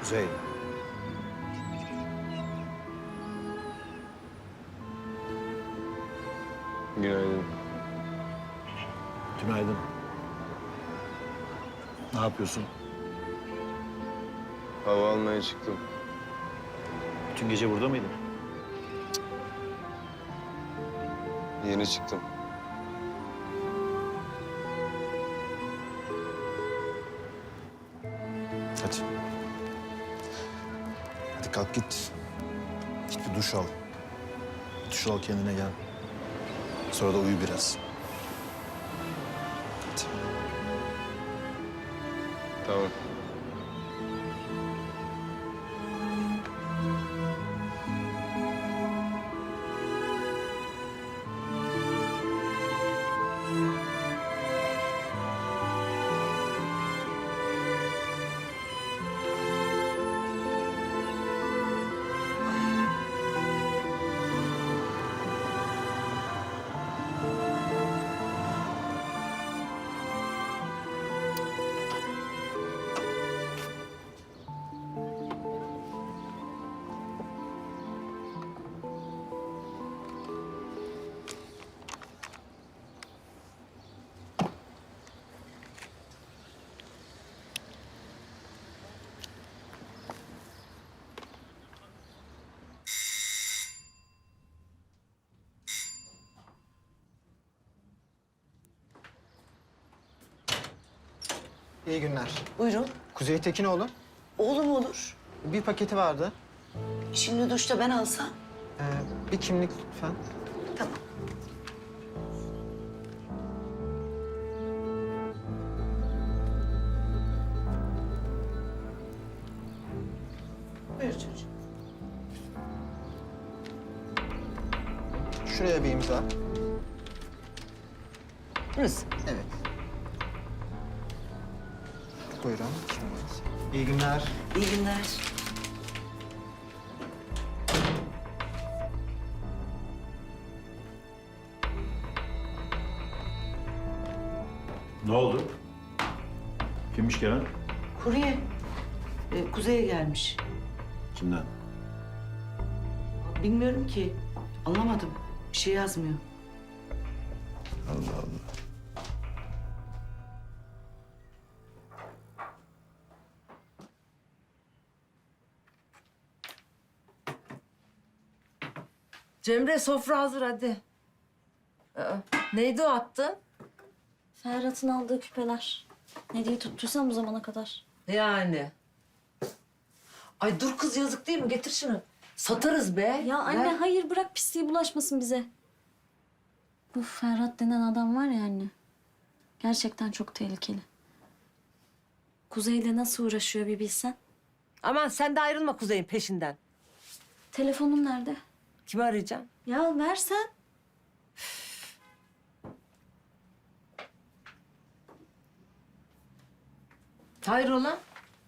Kuzey. Günaydın. Günaydın. Ne yapıyorsun? Hava almaya çıktım. Bütün gece burada mıydın? Yeni çıktım. Hadi. Hadi kalk git. Git bir duş al. Duş al, kendine gel. Sonra da uyu biraz. Hadi. Tamam. İyi günler. Buyurun. Kuzey Tekinoğlu. Oğlum olur. Bir paketi vardı. Şimdi duşta ben alsam. Bir kimlik lütfen. Tamam. Buyur çocuğum. Şuraya bir imza. Burası. Evet. Buyurun. Kimliğiniz. İyi günler. İyi günler. Ne oldu? Kimmiş gelen? Kurye. Kuzey'e gelmiş. Kimden? Bilmiyorum ki. Anlamadım. Bir şey yazmıyor. Allah Allah. Cemre, sofra hazır hadi. Neydi o attın? Ferhat'ın aldığı küpeler. Ne diye tuttuysam bu zamana kadar. Yani. Ay dur kız, yazık değil mi? Getir şunu. Satarız be. Ya anne Ver. hayır, bırak, pisliği bulaşmasın bize. Bu Ferhat denen adam var ya anne. Gerçekten çok tehlikeli. Kuzey'le nasıl uğraşıyor bir bilsen. Aman sen de ayrılma Kuzey'in peşinden. Telefonum nerede? Kimi arayacaksın? Ya versen. Hayrola?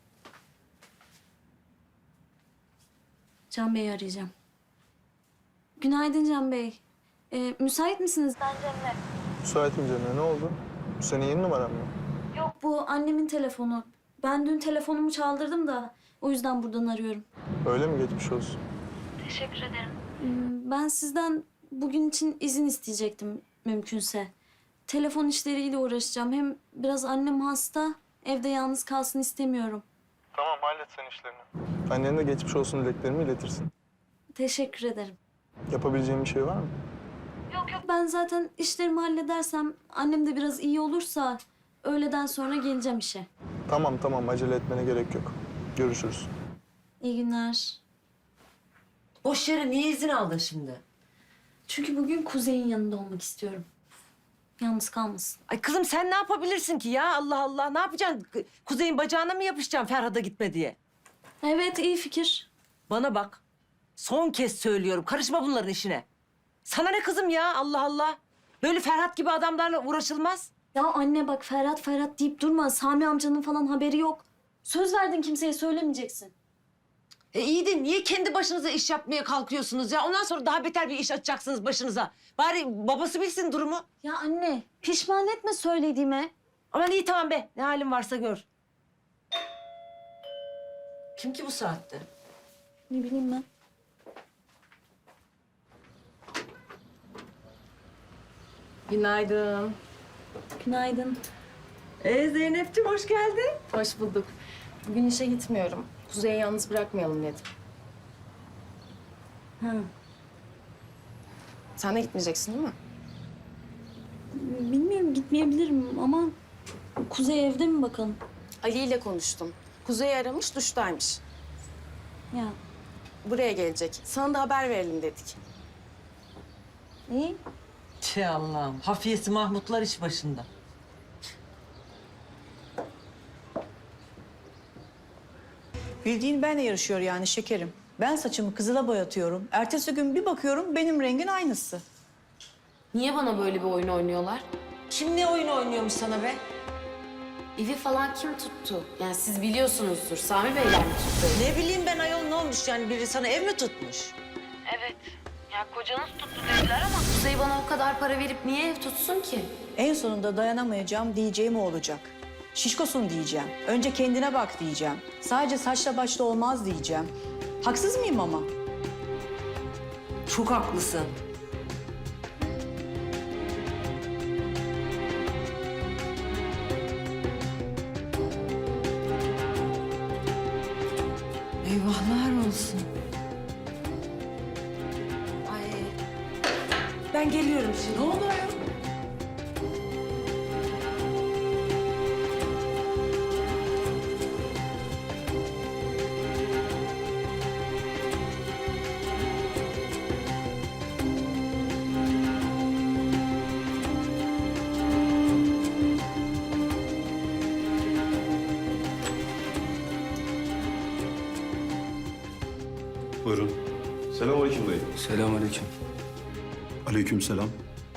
Can Bey'i arayacağım. Günaydın Can Bey. Müsait misiniz? Ben Cemre. Müsaitim Cemre. Ne oldu? Bu senin yeni numaran mı? Yok, bu annemin telefonu. Ben dün telefonumu çaldırdım da o yüzden buradan arıyorum. Öyle mi? Geçmiş olsun. Teşekkür ederim. Ben sizden bugün için izin isteyecektim mümkünse. Telefon işleriyle uğraşacağım. Hem biraz annem hasta, evde yalnız kalsın istemiyorum. Tamam, hallet sen işlerini. Annene de geçmiş olsun dileklerimi iletirsin. Teşekkür ederim. Yapabileceğim bir şey var mı? Yok yok, ben zaten işlerimi halledersem, annem de biraz iyi olursa öğleden sonra geleceğim işe. Tamam, acele etmene gerek yok. Görüşürüz. İyi günler. Boş yere niye izin aldın şimdi? Çünkü bugün Kuzey'in yanında olmak istiyorum. Yalnız kalmasın. Ay kızım sen ne yapabilirsin ki ya? Allah Allah. Ne yapacaksın? Kuzey'in bacağına mı yapışacaksın Ferhat'a gitme diye? Evet, iyi fikir. Bana bak. Son kez söylüyorum. Karışma bunların işine. Sana ne kızım ya? Allah Allah. Böyle Ferhat gibi adamlarla uğraşılmaz. Ya anne bak, Ferhat deyip durma. Sami amcanın falan haberi yok. Söz verdin, kimseye söylemeyeceksin. İyi de niye kendi başınıza iş yapmaya kalkıyorsunuz ya? Ondan sonra daha beter bir iş açacaksınız başınıza. Bari babası bilsin durumu. Ya anne, pişman etme söylediğime. Aman iyi tamam be. Ne halin varsa gör. Kim ki bu saatte? Ne bileyim ben. Günaydın. Günaydın. Zeynep'ciğim hoş geldin. Hoş bulduk. Bugün işe gitmiyorum. Kuzey'i yalnız bırakmayalım dedim. Ha. Sen de gitmeyeceksin değil mi? Bilmiyorum, gitmeyebilirim ama Kuzey evde mi bakalım? Ali ile konuştum. Kuzey'i aramış, duştaymış. Ya Buraya gelecek. Sana da haber verelim dedik. iyi. Şey Allah'ım. Hafiyesi Mahmutlar iş başında. Bildiğin benle yarışıyor yani şekerim. Ben saçımı kızıla boyatıyorum. Ertesi gün bir bakıyorum benim rengin aynısı. Niye bana böyle bir oyun oynuyorlar? Kim ne oyun oynuyormuş sana be? Evi falan kim tuttu? Yani siz biliyorsunuzdur. Sami Beyler mi tuttu? Ne bileyim ben ayol, ne olmuş yani, biri sana ev mi tutmuş? Evet. Ya kocanız tuttu dediler ama... Kuzey bana o kadar para verip niye ev tutsun ki? En sonunda dayanamayacağım diyeceğim o olacak. Şişkosun diyeceğim. Önce kendine bak diyeceğim. Sadece saçla başla olmaz diyeceğim. Haksız mıyım ama? Çok haklısın. Eyvahlar olsun. Ay. Ben geliyorum şimdi. Ne oldu ya? Buyurun. Selamünaleyküm dayı. Selamünaleyküm. Aleykümselam.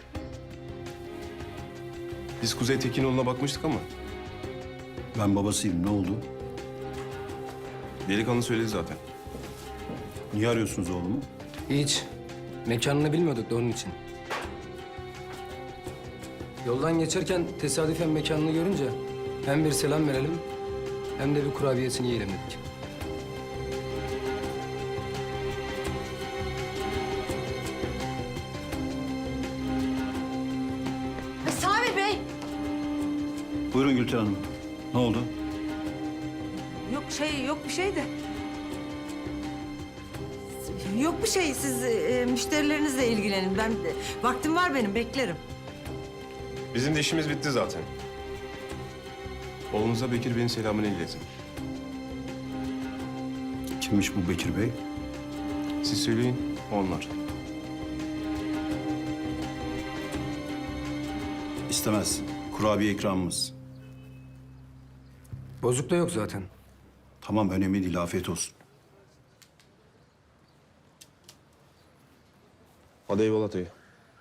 Biz Kuzey Tekinoğlu'na bakmıştık ama Ben babasıyım. Ne oldu? delikanlı söyledi zaten. Niye arıyorsunuz oğlumu? Hiç. Mekanını bilmiyorduk da onun için. Yoldan geçerken tesadüfen mekanını görünce hem bir selam verelim hem de bir kurabiyesini yiyelim dedik. Sami Bey. Buyurun Gülten Hanım. Ne oldu? Yok bir şey de. Yok bir şey, siz müşterilerinizle ilgilenin. Ben vaktim var benim, beklerim. Bizim de işimiz bitti zaten. Oğlunuza Bekir Bey'in selamını iletin. Kimmiş bu Bekir Bey? Siz söyleyin, onlar. İstemez. Kurabiye ikramımız. Bozuk da yok zaten. Tamam, önemli değil. Afiyet olsun. Hadi eyvallah dayı.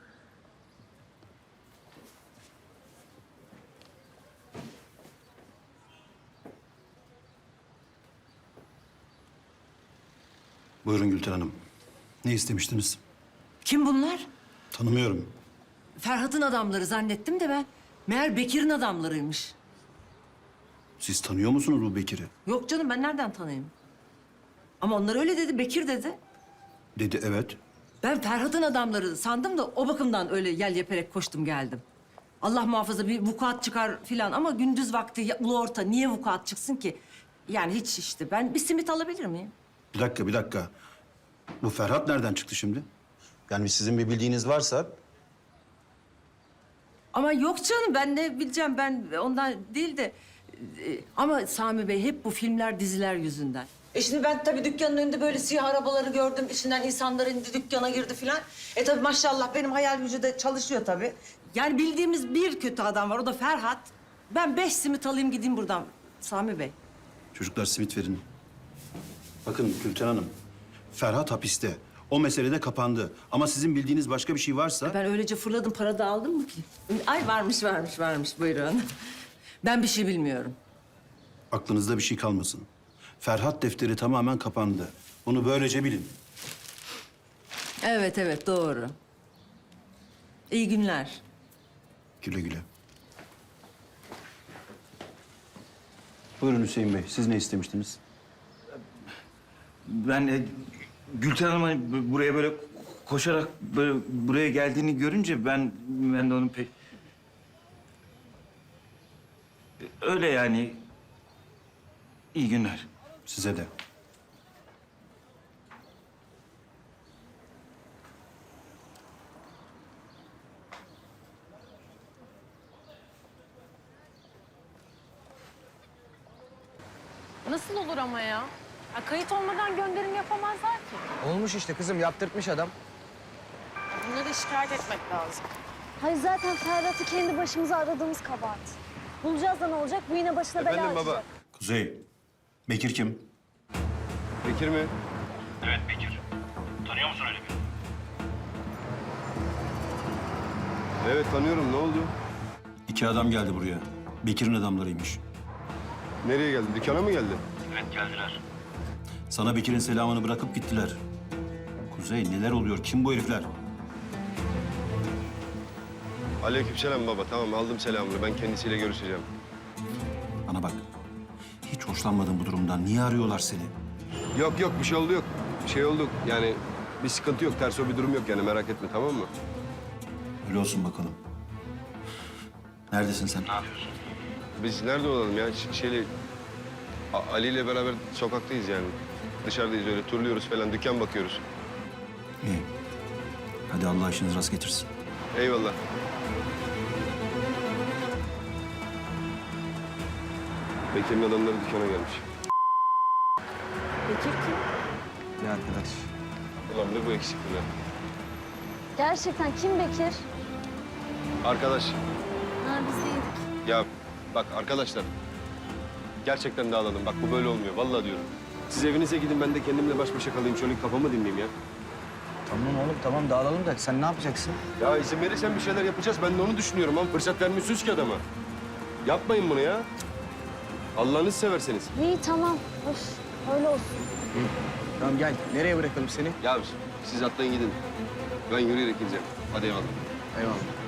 Buyurun Gülten Hanım. Ne istemiştiniz? Kim bunlar? Tanımıyorum. Ferhat'ın adamları zannettim de ben. Meğer Bekir'in adamlarıymış. Siz tanıyor musunuz bu Bekir'i? Yok canım, ben nereden tanıyayım? Ama onlar öyle dedi, Bekir dedi. Dedi evet. Ben Ferhat'ın adamları sandım da o bakımdan öyle yel yeperek koştum geldim. Allah muhafaza bir vukuat çıkar filan ama gündüz vakti ulu orta niye vukuat çıksın ki? Yani hiç işte. Ben bir simit alabilir miyim? Bir dakika. Bu Ferhat nereden çıktı şimdi? Yani sizin bir bildiğiniz varsa... Ama yok canım, ben ne bileceğim, ben ondan değil de... Ama Sami Bey hep bu filmler, diziler yüzünden. Şimdi ben tabii dükkanın önünde böyle siyah arabaları gördüm. İçinden insanlar indi, dükkana girdi filan. Tabii maşallah benim hayal gücü de çalışıyor tabii. Yani bildiğimiz bir kötü adam var, o da Ferhat. Ben 5 simit alayım gideyim buradan Sami Bey. Çocuklar simit verin. Bakın Gülten Hanım, Ferhat hapiste. O mesele de kapandı. Ama sizin bildiğiniz başka bir şey varsa... Ben öylece fırladım, para da aldım mı ki? Ay varmış buyurun. Ben bir şey bilmiyorum. Aklınızda bir şey kalmasın. Ferhat defteri tamamen kapandı. Bunu böylece bilin. Evet doğru. İyi günler. Güle güle. Buyurun Hüseyin Bey, siz ne istemiştiniz? Ben Gülten Hanım'ın buraya böyle koşarak böyle buraya geldiğini görünce ben de onun pek... Öyle yani. İyi günler. Size de. Nasıl olur ama ya? Kayıt olmadan gönderim yapamazlar ki. Olmuş işte kızım, yaptırtmış adam. Bunları şikayet etmek lazım. Hayır zaten Ferhat'ı kendi başımıza aradığımız kabahat. Bulacağız da ne olacak? Bu yine başına bela Efendim açacak. baba. Kuzey, Bekir kim? Bekir mi? Evet tanıyorum. Ne oldu? 2 adam geldi buraya. Bekir'in adamlarıymış. Nereye geldi? Dükkana mı geldi? Sana Bekir'in selamını bırakıp gittiler. Kuzey, neler oluyor? Kim bu herifler? Aleykümselam baba. Tamam aldım selamını. Ben kendisiyle görüşeceğim. Bana bak. Hiç hoşlanmadım bu durumdan. Niye arıyorlar seni? Yok yok bir şey oldu yok. Bir şey oldu. Yani bir sıkıntı yok. Ters o bir durum yok yani merak etme tamam mı? Öyle olsun bakalım. Neredesin sen? Biz nerede olalım ya? Ali ile beraber sokaktayız yani. Dışarıdayız öyle turluyoruz falan. Dükkan bakıyoruz. İyi. Hadi Allah işinizi rast getirsin. Eyvallah. Bekir'in adamları dükkana gelmiş. Bekir kim? Bir arkadaş. Ulan ne bu eksikti be? Gerçekten kim Bekir? Arkadaş. Ha biz değildik. Ya bak arkadaşlar. Gerçekten dağılalım. Bak bu böyle olmuyor. Vallahi diyorum. Siz evinize gidin ben de kendimle baş başa kalayım. Şöyle kafamı dinleyeyim ya. Tamam oğlum tamam dağılalım da sen ne yapacaksın? Ya izin verirsen bir şeyler yapacağız. Ben de onu düşünüyorum ama fırsat vermiyorsunuz ki adama. Yapmayın bunu ya. Allah'ınızı severseniz. İyi tamam. Öf, öyle olsun. Tamam gel. Nereye bırakalım seni? Ya siz atlayın gidin. Ben yürüyerek gideceğim. Hadi eyvallah. Eyvallah.